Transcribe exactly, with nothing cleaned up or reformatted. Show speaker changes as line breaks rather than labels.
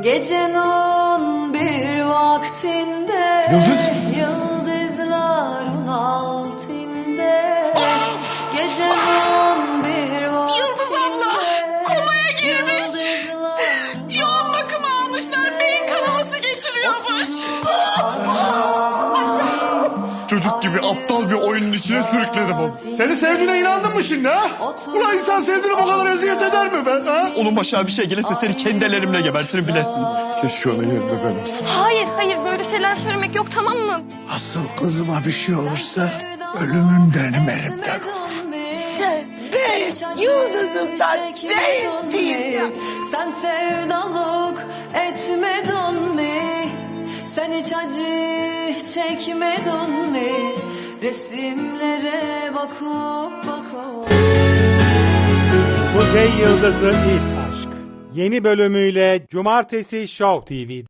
Gecenin bir vaktinde
Yıldız.
Yıldızların altında Gecenin bir vaktinde
Yıldız abla komaya girmiş. Yoğun bakım almışlar. Beyin kanaması geçiriyormuş.
Çocuk gibi aptal bir oyunun içine sürükledim onu. Seni sevdiğine inandın mı şimdi ha? Ulan insan sevdiğine bu kadar eziyet eder mi be ha?
Onun başına bir şey gelirse seni kendi ellerimle gebertirim bilesin.
Keşke onun yerinde ben olsam.
Hayır hayır böyle şeyler söylemek yok, tamam mı?
Asıl kızıma bir şey olursa ölümün benim elimden olur.
Ben yıldızımdan ne isteyeyim? Sen sevdalık etmedin mi? Sen hiç acı çekmedin mi? Resimlere bakıp bakıp.
Kuzey Yıldızı İlk Aşk yeni bölümüyle Cumartesi Show T V'de.